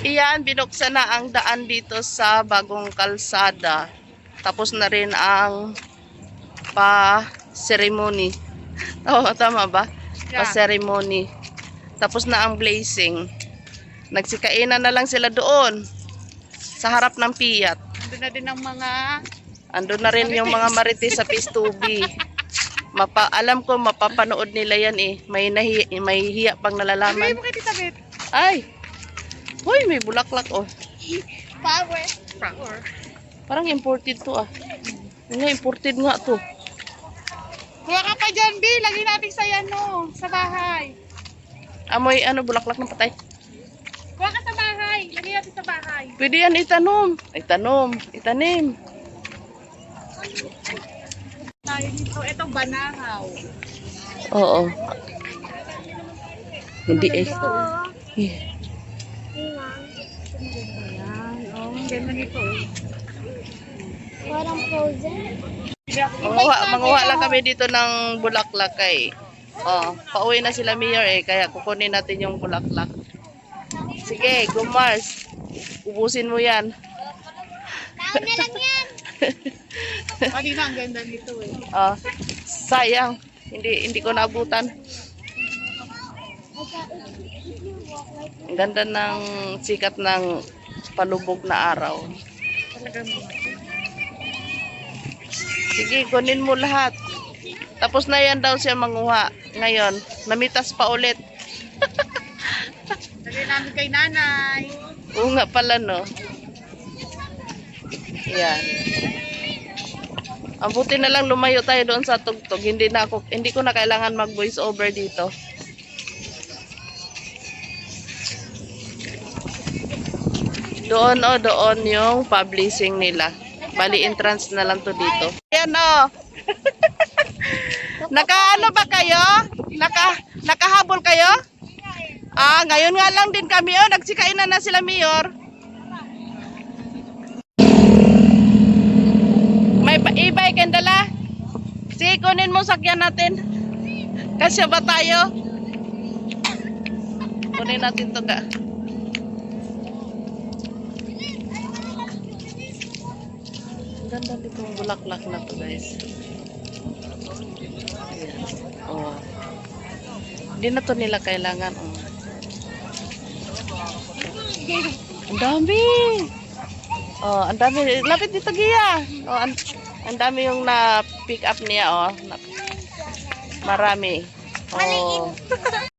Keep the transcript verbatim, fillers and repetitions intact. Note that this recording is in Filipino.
Iyan, binuksan na ang daan dito sa bagong kalsada. Tapos na rin ang pa-ceremony. Oo, tama ba? Yeah. Pa-ceremony. Tapos na ang blazing. Nagsikainan na lang sila doon sa harap ng piyat. Doon na din ang mga... Andun na rin yung mga marites sa Pistubi. Mapa, alam ko mapapanood nila yan eh. May, nahi, may hiya pang Sabi nalalaman. mo kay Tita Bet. Ay! Hoy, may bulaklak oh. Power. Power. Parang imported to ah. Nga, imported nga to. Kuha ka pa dyan, B. Lagay natin sa yan, no. Sa bahay. Amoy ano, bulaklak ng patay. Kuha ka sa bahay. Lagay natin sa bahay. Pwede yan itanom. Itanom. Itanim. Tayo dito. Itong banahaw. Oo. Hindi eh. Eh. Ayan. Oh, ang ganda nito eh. Parang frozen. Manguha, manguha lang kami dito ng bulaklak eh. Oh, pauwi na sila Mayor eh, kaya kukunin natin yung bulaklak. Sige, go Mars. Ubusin mo yan. Taon na lang yan. Kanina ang ganda nito eh. Oh, sayang. Hindi hindi ko naabutan. Ang ganda ng sikat ng palubog na araw. Talagang Sige, kunin mo lahat. Tapos na yan daw siya manguha. Ngayon, namitas pa ulit. lagay namin kay nanay. Oo nga pala, no? Yan. Ang buti na lang lumayo tayo doon sa tugtog. Hindi na ako, hindi ko na kailangan mag voice over dito. Doon o, doon yung publishing nila. Bali entrance na lang to dito. Ayan o. Nakaano ba kayo? Naka, nakahabol kayo? Ah, ngayon nga lang din kami o. Nagsikain na na sila Mayor. May e-bike and dala. Sige, kunin mo sakyan natin. Kasya ba tayo? Kunin natin to ka. Ganda ditong bulaklak na to guys. Ayan. Oh. Hindi na to nila kailangan. Oh. Ang dami. Oh, ang dami. Lapit dito Gia. Oh, ang, ang dami yung na pick up niya oh. Na, marami. Oh.